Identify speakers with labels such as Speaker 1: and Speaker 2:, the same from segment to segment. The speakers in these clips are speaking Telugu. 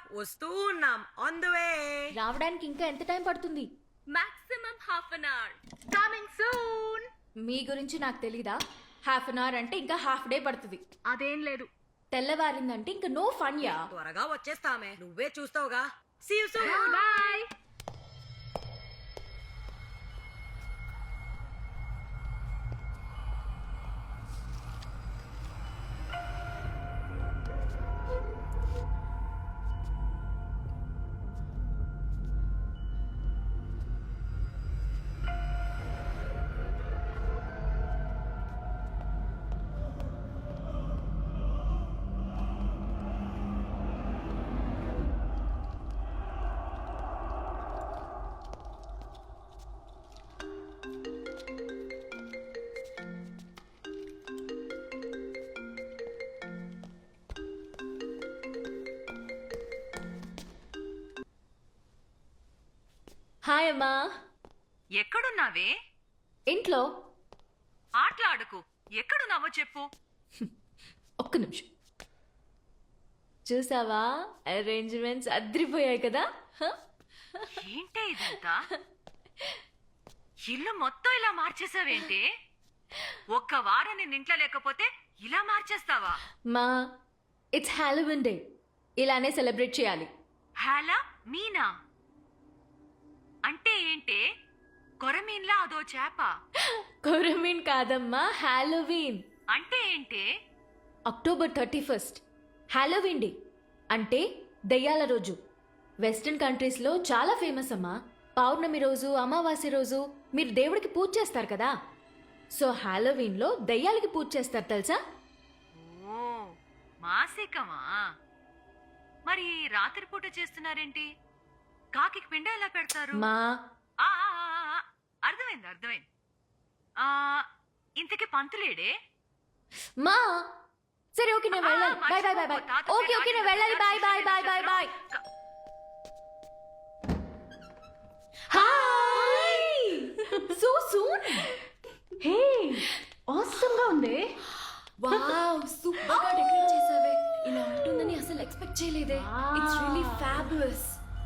Speaker 1: వస్తూ ఉన్నాం. On the way.
Speaker 2: రావడానికి ఇంకా ఎంత టైం పడుతుంది?
Speaker 3: Maximum half an hour. Coming soon.
Speaker 2: మీ గురించి నాకు తెలీదా? హాఫ్ అన్ అవర్ అంటే ఇంకా హాఫ్ డే పడుతుంది.
Speaker 3: అదేం లేదు.
Speaker 2: తెల్లవారిందంటే ఇంకా నో ఫన్ యా.
Speaker 1: త్వరగా వచ్చేస్తామే, నువ్వే చూస్తావుగా. See you soon.
Speaker 3: Bye.
Speaker 2: Hi అమ్మా.
Speaker 4: ఎక్కడున్నావే?
Speaker 2: ఇంట్లో.
Speaker 4: ఆటలాడుకు. ఎక్కడున్నావో చెప్పు.
Speaker 2: ఒక్క నిమిషం. చూసావా, అరేంజ్మెంట్స్ అద్రిపోయాయి కదా.
Speaker 4: ఏంటే ఇదంతా? ఇల్లు మొత్తం ఇలా మార్చేసావేంటి? ఒక్క వారం నేను ఇంట్లో లేకపోతే ఇలా మార్చేస్తావా?
Speaker 2: మా ఇట్స్ హాలోవిన్ డే, ఇలానే సెలబ్రేట్ చేయాలి.
Speaker 4: హాలా మీనా అంటే ఏంటే? కొరమీన్లా అదో చేప.
Speaker 2: కొరమీన్ కాదమ్మా, హాలోవీన్.
Speaker 4: అంటే ఏంటే?
Speaker 2: అక్టోబర్ 31 హాలోవీన్ డే అంటే దయ్యాల రోజు. వెస్టర్న్ కంట్రీస్లో చాలా ఫేమస్ అమ్మా. పౌర్ణమి రోజు, అమావాస్య రోజు మీరు దేవుడికి పూజ చేస్తారు కదా. సో హాలోవీన్లో దయ్యాలకి పూజ చేస్తారు తెలుసా?
Speaker 4: ఓ మాసికమా? మరి రాత్రిపూట చేస్తున్నారేంటి? కాకి పిండ ఎలా పెడతారు?
Speaker 2: మా
Speaker 4: ఆ, ఆ, ఆ, ఆ, అర్థమైంది. ఆ, ఇంతకీ పంతులేడే?
Speaker 2: మా సరే ఓకే నేను వెళ్ళాలి. Bye bye bye bye. Okay okay నేను వెళ్ళాలి. Bye bye bye bye bye. Hi. So soon.
Speaker 3: Hey, awesome గా ఉంది.
Speaker 2: వావ్, సూపర్ గా డెకరేట్ చేసావే. ఇలా ఉంటుందని అసలు ఎక్స్పెక్ట్ చేయలేదే. It's really fabulous.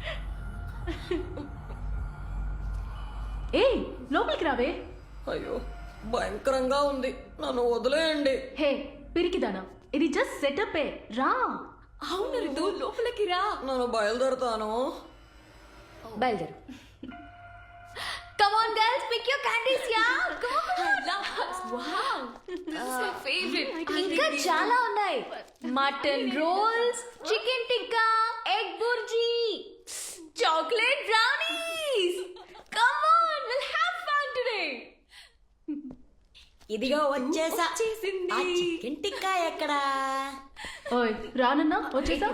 Speaker 3: ఏ, లోపలికి రావే.
Speaker 1: అయ్యో భయంకరంగా ఉంది, నన్ను వదిలేయండి.
Speaker 3: హే పిరికిదానా, ఇది జస్ట్ సెటప్. రా.
Speaker 2: అవును రితు, లోపలికి రా.
Speaker 1: నన్ను బయలుదేరుతాను.
Speaker 2: బయలుదేరు. Come on girls, pick your candies, yeah. Come on. Wow. This is my favorite. ఇంకా చాలా ఉన్నాయి. Mutton rolls, chicken tikka, egg bhurji, chocolate brownies. Come on, we'll have fun today.
Speaker 1: ఇదిగో వచ్చేసా.
Speaker 2: వచ్చేసింది.
Speaker 1: ఆ చికెన్ టిక్కా ఎక్కడా?
Speaker 3: ఓయ్ రానన్నా, వచ్చేసా.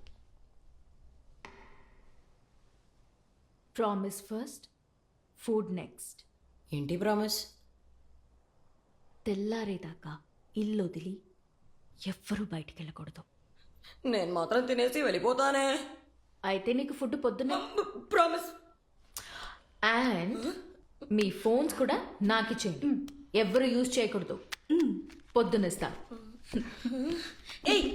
Speaker 2: Promise first, food next.
Speaker 1: ఏంటి ప్రామిస్?
Speaker 2: తెల్లారేదాకా ఇల్లు వదిలి ఎవ్వరూ బయటికి వెళ్ళకూడదు.
Speaker 1: నేను మాత్రం తినేసి వెళ్ళిపోతానే.
Speaker 2: అయితే నీకు ఫుడ్ పొద్దున్న.
Speaker 1: ప్రామిస్.
Speaker 2: అండ్ మీ ఫోన్స్ కూడా నాకు ఇచ్చేయండి. ఎవ్వరు యూజ్ చేయకూడదు. పొద్దునిస్తా.
Speaker 1: ఏయ్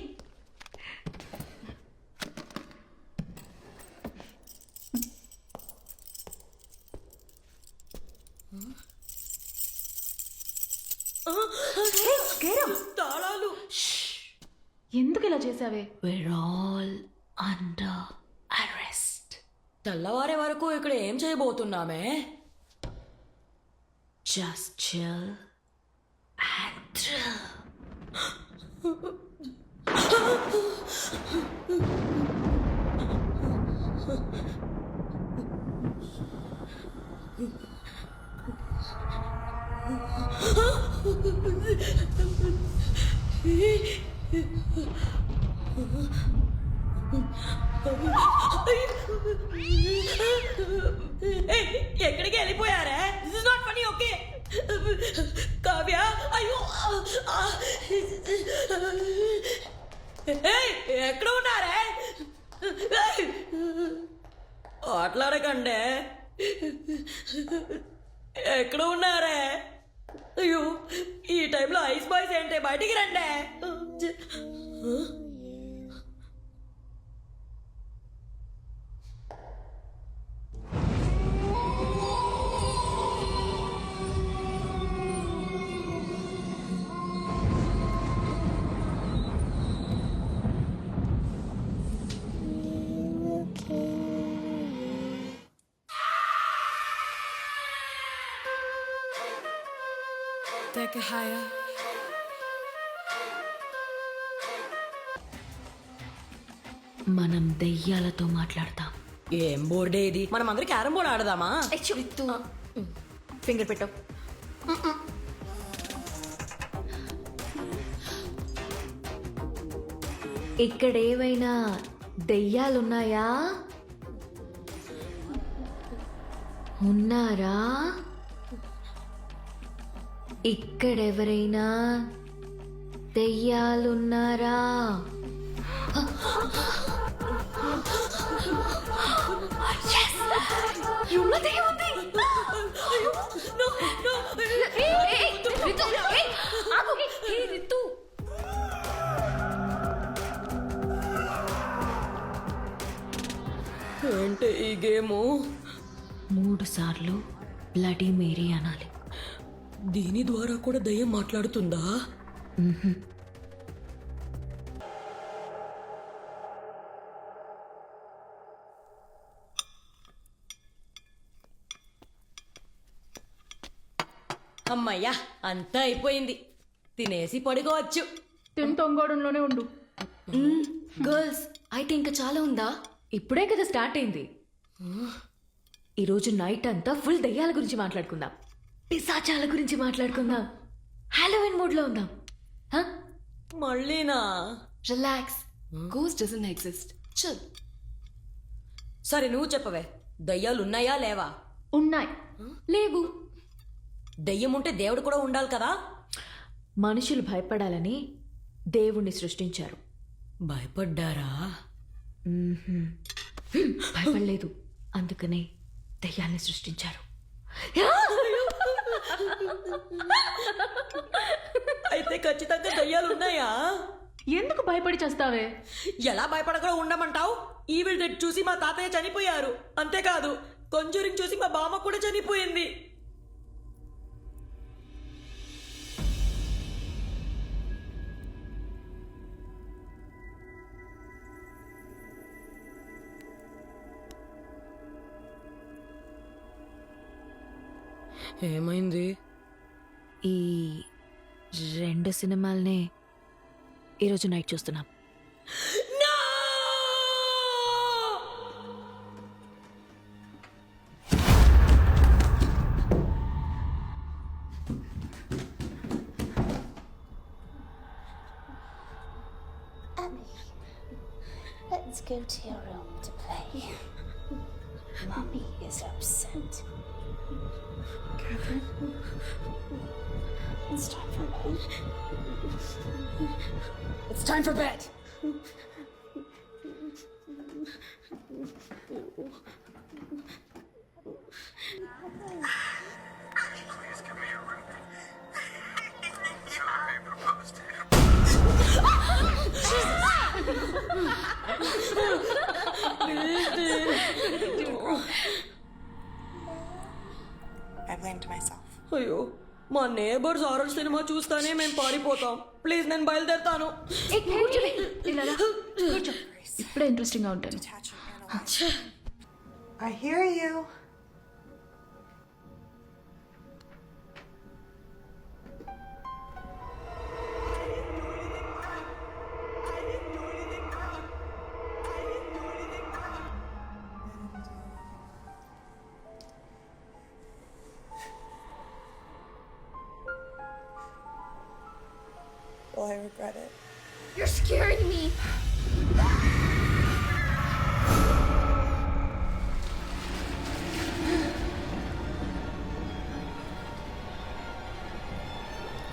Speaker 1: తాళాలు.
Speaker 3: ఎందుకు ఇలా చేసావే?
Speaker 2: We're all under arrest.
Speaker 1: తెల్లవారే వరకు ఇక్కడ ఏం చేయబోతున్నామే?
Speaker 2: Just chill and thrill.
Speaker 1: ఎక్కడికి వెళ్ళిపోయారే? This is not funny. Okay Kavya, అయ్యో ఎక్కడ ఉన్నారే? ఆటలాడకండే. ఎక్కడ ఉన్నారే? అయ్యో ఈ టైంలో ఐస్ బాయ్స్ ఏంటే? బయటికి రండి. Take it higher.
Speaker 2: మనం దెయ్యాలతో మాట్లాడతాం.
Speaker 1: ఏం బోర్డే ఇది? మనం అందరం క్యారం బోర్డ్ ఆడదామా?
Speaker 2: ఫింగర్ పెట్టు. ఇక్కడ ఏవైనా దెయ్యాలున్నాయా? ఉన్నారా? ఇక్కడెవరైనా దెయ్యాలున్నారా?
Speaker 1: ఏంటి ఈ గేము?
Speaker 2: 3 సార్లు బ్లడీ మేరీ అనాలి.
Speaker 1: దీని ద్వారా కూడా దయ్యం మాట్లాడుతుందా? అమ్మయ్యా, అంతా అయిపోయింది. తినేసి పడుకోవచ్చు.
Speaker 5: తింటొంగోడంలోనే ఉండు.
Speaker 2: గర్ల్స్, అయితే ఇంకా చాలా ఉందా? ఇప్పుడే కదా స్టార్ట్ అయింది. ఈరోజు నైట్ అంతా ఫుల్ దయ్యాల గురించి మాట్లాడుకుందాం, పిశాచాల గురించి మాట్లాడుకుందాం, హాలోవిన్ మూడ్ లో ఉందాం.
Speaker 1: మళ్ళీనా?
Speaker 2: Relax, ghost doesn't exist. Chill.
Speaker 1: సరే నువ్వు చెప్పవే, దయ్యాలు ఉన్నాయా లేవా?
Speaker 5: ఉన్నాయి.
Speaker 2: లేవు.
Speaker 1: దయ్యం ఉంటే దేవుడు కూడా ఉండాలి కదా?
Speaker 2: మనుషులు భయపడాలని దేవుణ్ణి సృష్టించారు.
Speaker 1: భయపడ్డారా?
Speaker 2: భయపడలేదు, అందుకనే దయ్యాల్ని సృష్టించారు.
Speaker 1: అయితే ఖచ్చితంగా దయ్యాలు ఉన్నాయా?
Speaker 5: ఎందుకు భయపడి చేస్తావే?
Speaker 1: ఎలా భయపడకుండా ఉండమంటావు? ఈవిల్ డెడ్ చూసి మా తాతయ్య చనిపోయారు. అంతేకాదు, కొంజూరింగ్ చూసి మా బామ్మ కూడా చనిపోయింది. ఏమైంది?
Speaker 2: ఈ 2 సినిమాల్నే ఈరోజు నైట్ చూస్తున్నాం.
Speaker 6: Let's go to your room to play. Mommy is upset. Catherine, it's time for bed. It's time for bed.
Speaker 7: Please give me a room. So I may propose to him. I blamed myself.
Speaker 1: అయ్యో, మా నేబర్స్ హారర్ సినిమా చూస్తానే మేము పారిపోతాం. ప్లీజ్, నేను బయలుదేరుతాను.
Speaker 5: ఇప్పుడే ఇంట్రెస్టింగ్ గా ఉంటుంది.
Speaker 7: I hear you. Will I regret it?
Speaker 6: You're scaring me.